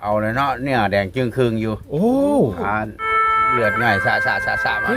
เอาเลยเนาะเนี่ยแดงจึงครึ่งอยู่โอ้เลือดง่ายสะมา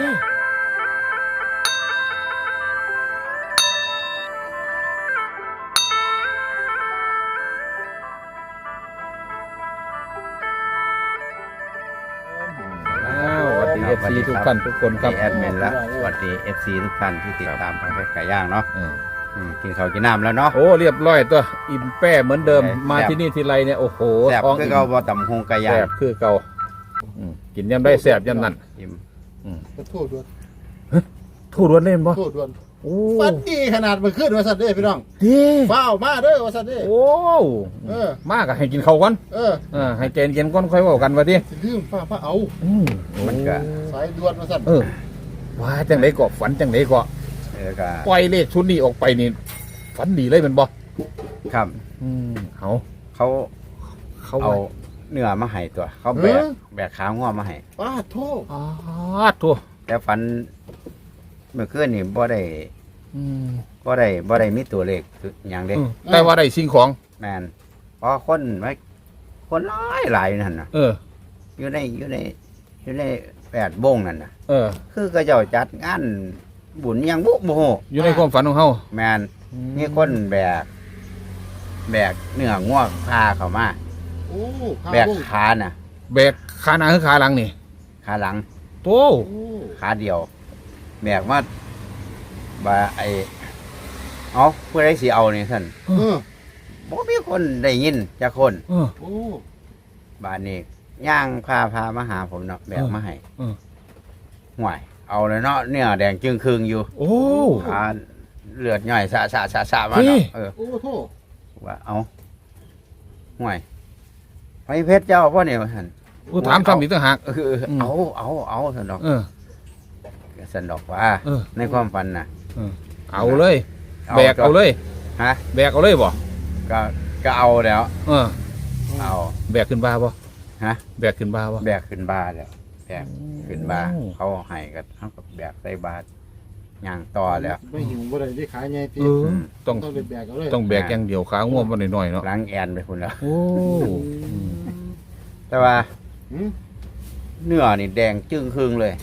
FC ทุกท่านทุกคนครับแอดมินและสวัสดี FC ทุกท่านที่ติดตามทางเพจไก่ย่างเนาะกินข้าวกินน้ำแล้วเนาะโอ้เรียบร้อยตัวอิ่มแป้เหมือนเดิมมาที่นี่ทีไรเนี่ยโอ้โหแซ่บคือเก่าบ่ตำหงไก่ย่างแซ่บคือเก่ากินยำได้แซ่บยำนั่นอิ่มโทษด้วยทูดวนเล่นบ่โทษด้วยโอ้ฟันดีขนาดมันขึ้นว่าสัตว์เด้พี่น้องดีฟ้าวมาเด้อว่าสัตว์เด้โอ้มากอะให้กินข้าวก่อนให้เกณฑ์เกณฑ์ก่อนค่อยว่ากันว่าดิลืมฟ้าเอามันก็สายด่วนว่าสัตว์ว่าจังไดก็ฝันจังไดก็ปล่อยเลขชุดนี้ออกไปนี่ฝันดีเลยเป็นบ่ครับเขาเอาเนื้อมาให้ตัวเขาแบกขาง้อมาให้ป้าโทษแต่ฝันเมื่อคืนนี่บ่ได้มีตัวเลขอย่างเด็กแต่ว่าได้สิ่งของแมนเพราะคนหลายนั่นนะอยู่ใน8 วงนั่นนะคือก็เจ้าจัดงานบุญยังบุโหอยู่ในความฝันของเฮาแมนมีคนแบกเนื้อง่วงพาเข้ามาแบกขาน่ะแบกขาหน้าหรือขาหลังนี่ขาหลังโตขาเดียวแบกมาบ่ผู้ใดสิเอานี่ท่านบ่มีคนได้ยินจักคนบ้านนี้ย่างพามาหาผมเนาะแบกมาให้ห่วยเอาเลยเนาะเนี่ยแดงจึงครึ่งอยู่เลือดง่ายสะมาเนาะว่าเอาห่วยไปเพชรเจ้าพ่อเนี่ยท่านถามทำอีกต่างหากเอาท่านดอกสันดอกว่าในความฝันน่ะเอาเลยแบกเอาเลยแบกเอาเลยบ่ก็เอาแล้วเอาแบกขึ้นบ้าบ่แบกขึ้นบ้าบ่แบกขึ้นบ้าแล้วแบกขึ้นบ้าเขาให้กันเขากับแบกใส่บาตรย่างต่อแล้วไม่หิวบ่ได้ขายไงพี่ต้องแบกเอาเลยต้องแบกอย่างเดียวขาง่วงมาหน่อยๆเนาะล้างแอนไปคุณแล้วแต่ว่าเนื้อนี่แดงจึ้งครึ่งเลย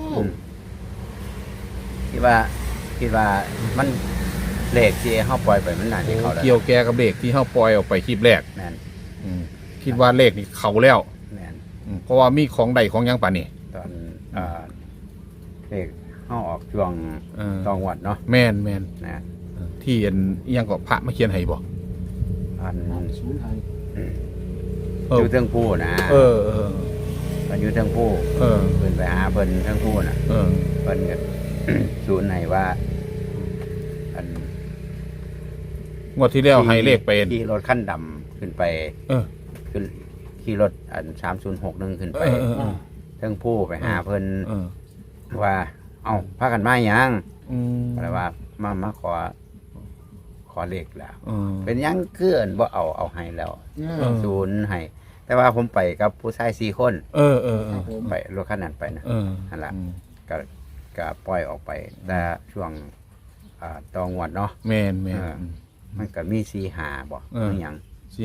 คิดว่ามันเลขที่เขาปล่อยไปมันน่าจะเข้าแล้วเกี่ยวแกกับเลขที่เขาปล่อยออกไปคลิปแรกแม่นคิดว่าเลขนี่เข้าแล้วแม่นเพราะว่ามีของใดของยังป่านนี่ตอนเลขเขาออกช่วงตองวัดเนาะแม่นนะที่ยังก็พระมาเขียนให้บ่ศูนย์ไทยอยู่เทิงผู้นะมันอยู่เทิงผู้เพิ่นไปหาเพิ่นเทิงผู้น่ะเพิ่นก็ศูนย์ให้ว่างวดที่แล้วให้เลขไปขี่รถขั้นดำขึ้นไปขึ้นขี่รถ3061ขึ้นไปเทิงผู้ไปหาเพิ่นว่าเอาพากันมาหยังอะไรว่ามาขอเลขแล้วเป็นยังเกินบ่เอาให้แล้วศูนย์ให้แต่ว่าผมไปกับผู้ชาย4 คนไปรถคันนั้นไปนะนั่นแหละก็ปล่อยออกไปแต่ช่วงตองวดเนาะแม่นมันก็มี45บ่มีหยัง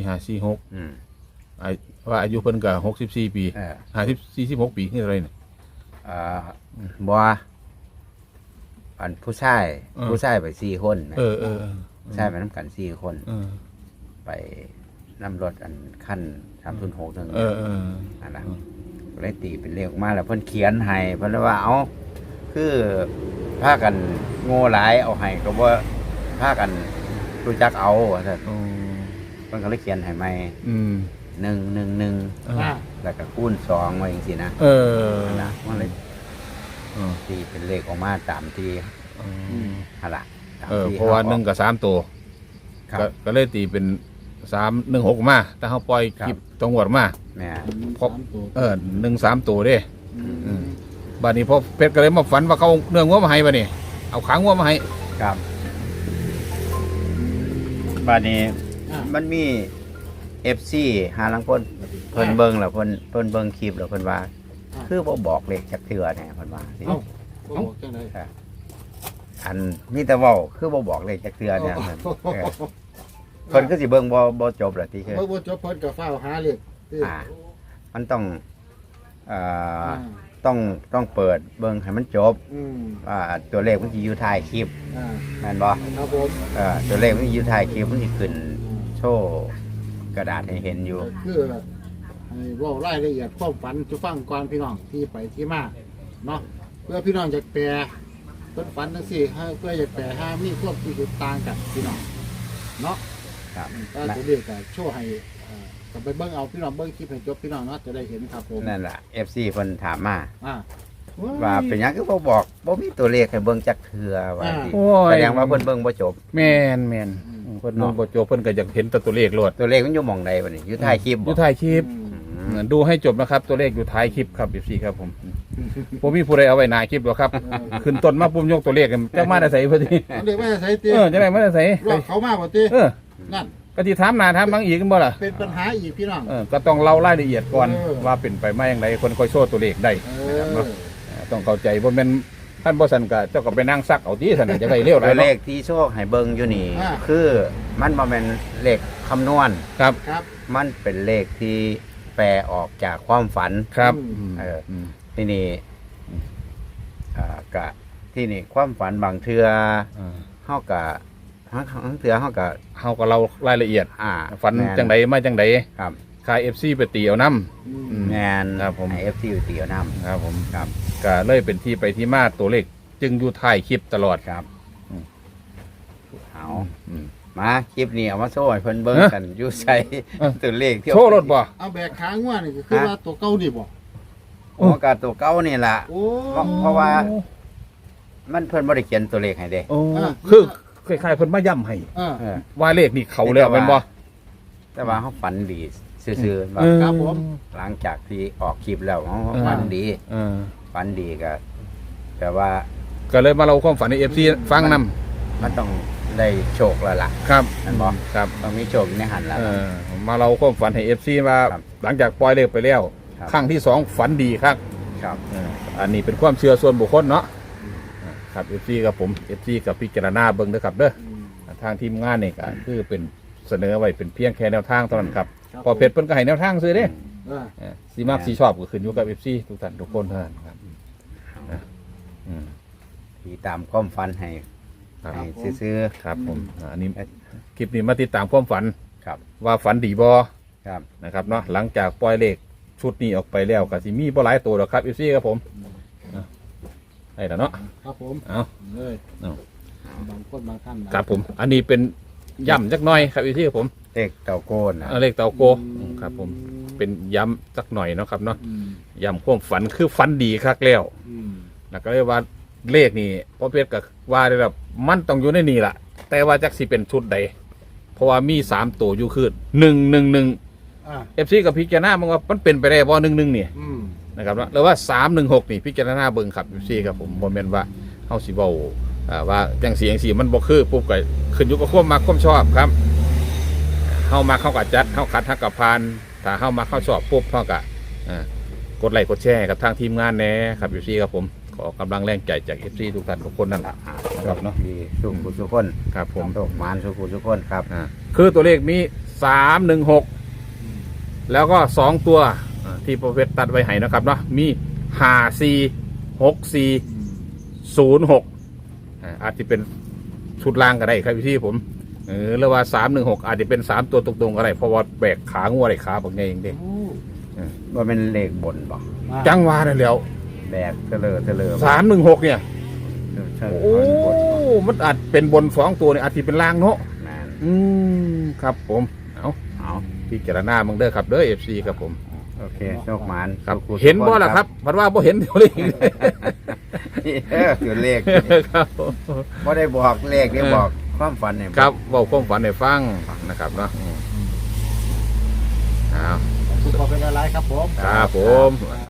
4546ว่าอายุเพิ่นก็64 ปี46 ปีนี่อะไรเนี่ยบ่อันผู้ชายไป4 คนผู้ชายไปนำกัน4 คนไปนำรถอันคัน306นึงนั่นล่ะก็เลยตีเป็นเลขออกมาแล้วเพิ่นเขียนให้เพิ่นว่าเอาคือพากันโง่หลายเอาให้ก็บ่พากันรู้จักเอาว่าซั่นเพิ่นก็เลยเขียนให้ใหม่111แล้วก็คูณ2ไว้จังซี่นะนั่นล่ะมันเลยตีเป็นเลขออกมาตามที่หั่นล่ะเพราะว่า1กับ3ตัวก็เลยตีเป็น316มาแต่เขาปล่อยคลิปจังหวัดมาแม่พบ13ตัวเด้บัดนี้พอเพชรก็เลยมาฝันว่าเขาเนื้องัวมาให้บัดนี้เอาขางัวมาให้ครับบัดนี้มันมี FC หาลังคนเพิ่นเบิ่งแล้วเพิ่นเบิ่งคลิปแล้วเพิ่นว่าคือบ่บอกเลขจักเทื่อแน่เพิ่นว่าสิบอกจังได๋อันมีแต่เว้าคือบ่บอกเลขจักเทื่อเนี่ยเพิ่นก็สิเบิ่งบ่จบล่ะติคือบ่จบเพิ่นก็ฟ้าวหาเลขมันต้องเอ่อต้องเปิดเบิ่งให้มันจบ ตัวเลขมันจะอยู่ท้ายคลิปแม่นบ่ครับผมตัวเลขมันอยู่ท้ายคลิปมันจะขึ้นโชว์กระดาษให้เห็นอยู่คือให้เว่ารายละเอียดความฝันจะฟังก่อนพี่น้องที่ไปที่มาเนาะเพื่อพี่น้องจะแปลเพิ่นฝันจังซี่ให้เพื่อจะแปลให้มีความที่ต่างกันพี่น้องเนาะครับถ้าตัวเลขก็โชว์ให้ก็ไปเบิ่งเอาพี่น้องเบิ่งคลิปให้จบพี่น้องเนาะจะได้เห็นครับผมนั่นล่ะ FC เพิ่นถามมาอ่าว่าเป็นหยังคือบ่บอกบ่มีตัวเลขให้เบิ่งจักเทื่อว่าสิโอ้ยแสดงว่าเพิ่นเบิ่งบ่จบแม่นเพิ่นมองบ่จบเพิ่นก็อยากเห็นแต่ตัวเลขโลดตัวเลขมันอยู่หม่องใดบัดนี้อยู่ท้ายคลิปอบ่ยู่ท้ายคลิปอืมดูให้จบนะครับ ตัวเลขอยู่ท้ายคลิปครับ14ครับผมผมมีผู้ใดเอาไว้หน้าคลิปหรอกครับ ขึ้นต้นมาปุ่มยกตัวเลขกันจักมาได้ใส่พอดีเอาเด็กไม่ใส่ตีจังได๋มาได้ใส่รอบเขามากกว่าตี นั่นก็สิถามหน้าถามหลังอีกกันบ่ล่ะเป็นปัญหาอีกพี่น้องก็ต้องเล่ารายละเอียดก่อนเออว่าเป็นไปมาอย่างไรคนค่อยโชว์ตัวเลขได้ นะครับเนาะต้องเข้าใจบ่แม่นท่านบ่ซั่นก็เจ้าก็ไปนั่งซักเอาติซั่นน่ะจะได้เร็วหลาตัยวเลเนาะขที่โชคให้เบิ่งอยู่นี่ คือมันบ่แม่นเลขคำนวณครับครับมันเป็นเลขที่แปลออกจากความฝันครับม ที่นี่กะที่นี่ความฝันบางเทื่อเฮากะบางเทื่อเฮากะเฮาก็เล่ารายละเอียด ฝันแม่จังใดมาจังใดครับค่าย FC ไปตีเอานำแม่นครับผมให้ FC เตียวนํครับผมครับก็เลยเป็นที่ไปที่มาตัวเลข จึงอยู่ท้ายคลิปตลอดครับอืมเอาอืมมาคลิปนี้เอามาโซ่ให้เพิ่นเบิ่งฮะกันอยู่ใส่เออตัวเลขที่โชว์รถบ่เอาแบกขาง่วนี่ก็คือว่าตัวเก่านี่บ่โอ้กะตัวเก่านี่ล่ะโอ้เพราะว่า มันเพิ่นบ่ได้เขียนตัวเลขให้เด้โอ้คือคล้ายๆเพิ่นมาย้ำให้อ่าเออว่าเลขนี่เขาแล้วแม่นบ่แต่ว่าเขาฝันดีซื่อๆว่าครับผมหลังจากที่ออกคลิปแล้วเขาเออฝันดีเออฝันดีก็แต่ว่าก็เลยมาเล่าความฝันให้ FC ฟังนำมันต้องได้โชคแล้วล่ะครับนั่นบ่ครับต้องมีโชคอยู่ในหันแล้วมาเราความฝันให้ FC ว่าครับหลังจากปล่อยเลขไปแล้วครับครั้งที่สองฝันดีครับครับอันนี้เป็นความเชื่อส่วนบุคคลเนาะครับ FC กับผม FC กับพิจารณาเบิ่งเด้อครับเด้อทางทีมงานนี่ก็คือเป็นเสนอไว้เป็นเพียงแค่แนวทางเท่านั้นครับพอเพชรเพิ่นก็ให้แนวทางซื้อเด้ สีมักสีชอบก็ขึ้นอยู่กับ FC ทุกท่านทุกคนเท่านั้นครับอืมที่ตามความฝันให้ครับให้ซื้อครับผมอันนี้คลิปนี้มาติดตามความฝันๆครับว่าฝันดีบ่ครับนะครับเนาะหลังจากปล่อยเลขชุดนี้ออกไปแล้วก็สิมีบ่หลายตัวหรอกครับ FC ครับผมได้แล้วเนาะครับผมเอาเลยเอาบางคนบางท่านครับผม อันนี้เป็นย่ำจักหน่อยครับ FC ครับผมเลขเต่าโกนนะเลขเตาโกครับผมเป็นย้ำจักหน่อยเนาะครับเนาะย้ำความฝันคือฝันดีคักแล้วแล้วก็เรียกว่าเลขนี่พ่อเพชรก็ว่าได้แบบมันต้องอยู่ในนี่ล่ะ แต่ว่าจักสิเป็นชุดใดเพราะว่ามี3ตัวอยู่คือ111 FC กับพิจารณามันว่ามันเป็นไปได้บ่11นี่นะครับเนาะหรือว่า316นี่พิจารณาเบิ่งครับ FC ครับผมบ่แม่นว่าเฮาสิเว้าว่าจังสีจังสีมันบ่คือปุ๊บก็ขึ้นอยู่กับความมักความชอบครับเฮามาเข้ากับจัดเฮาขัดเฮากับพานถ้าเฮามาเข้าชอบปุ๊บเฮาก็กดไลค์กดแชร์กับทางทีมงานแหน่ครับ FC ครับผมขอกำลังแรงใจจาก FC ทุกท่านทุกคนนั่นล่ะครับเนาะดีสุขุสุขคนครับผมโชคหมานสุขุสุขคนครับคือตัวเลขมี316แล้วก็2ตัวที่โปรเฟสตัดไว้ให้นะครับเนาะมี54 64 06อาจจะเป็นชุดล่างก็ได้ครับพี่ผมหรือว่า316อาจจะเป็น3ตัวตรงๆก็ได้เพราะว่าแบกขางัวได้ขาบางไงเองเด้ว่าเป็นเลขบนบ่จังหวะนั่นแหล้วแบกเทเลอ 316เนี่ยใช่โอ้มันอาจเป็นบน2ตัวเนี่ยอาจจะเป็นล่างเนาะแม่นครับผมเอาเอาพิจารณามึงเด้อครับเด้อ FC ครับผมโอเคโชคหมานครับสุขุสุขเห็นบ่ล่ะครับพัดว่าบ่เห็นตัวเลขตัวเลขครับบ่ได้บอกเลขได้บอกความฝันเนี่ยครับเว้าความฝันให้ฟังนะครับเนาะเอาขอบคุณขอเป็นอะไรครับผมครับผม